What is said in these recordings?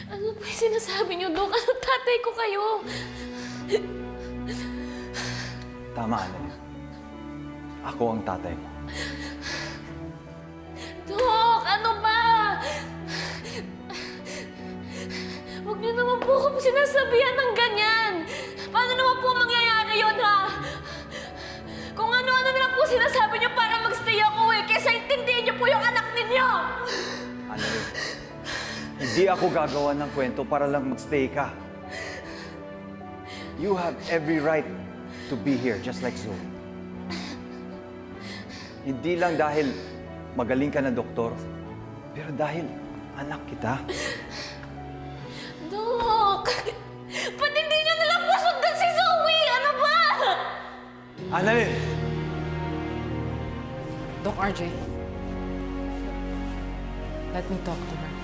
Ano ba yung sinasabi niyo, Dok? Anong tatay ko kayo? Tama, Annalyn. Ako ang tatay mo. Dok, ano ba? Huwag niyo naman po ako sinasabihan ng ganyan. Paano naman po mangyayari yun, ha? Kung ano-ano na lang po sinasabi niyo para magstay ako kesa intindihin niyo po yung anak ninyo! Annalyn, hindi ako gagawa ng kwento para lang magstay ka. You have every right to be here, just like Zoe. Hindi lang dahil magaling ka na doktor, pero dahil anak kita. Dok! Ba't hindi niyo nalang po sundan si Zoe? Ano ba? Annalyn! Doc RJ, let me talk to her.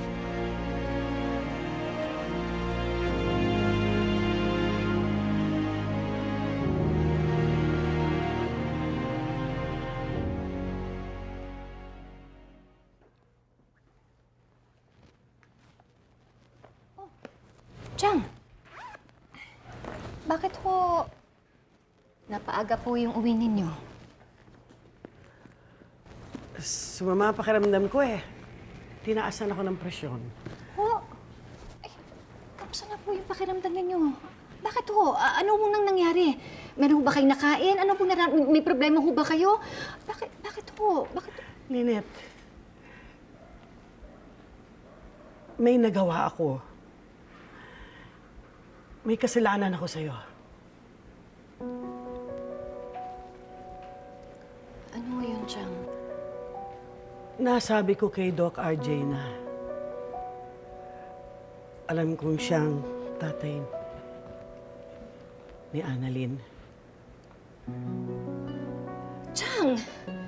Chang, bakit ho napaaga po yung uwi ninyo? Sumama ang pakiramdam ko eh. Tinaasan ako ng presyon. Ho? Ay, kamusta na po yung pakiramdam ninyo? Bakit ho? Ano ho nang nangyari? Meron ho ba kayong nakain? Ano po may problema ho ba kayo? Bakit ho? Bakit? Lynette, may nagawa ako. May kasalanan ako sa'yo. Ano ho yun, Chang? Nasabi ko kay Doc RJ na alam kong siyang tatay ni Annalyn. Chang!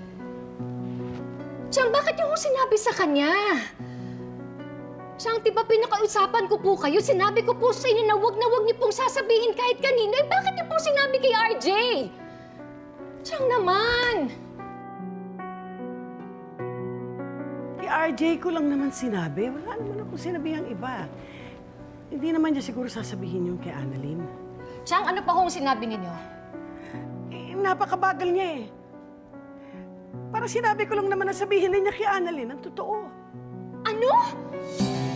Chang, bakit niyo ho sinabi sa kanya? Chang, di ba pinakausapan ko po kayo? Sinabi ko po sa inyo na wag niyo pong sasabihin kahit kanino. Eh, bakit niyo po sinabi kay RJ? Chang naman! Kay RJ ko lang naman sinabi. Wala naman akong sinabihang iba. Hindi naman niya siguro sasabihin yung kay Annalyn. Chang, ano pa hong sinabi ninyo? Eh, napakabagal niya eh. Para sinabi ko lang naman na sabihin na niya kay Annalyn ang totoo. Ano?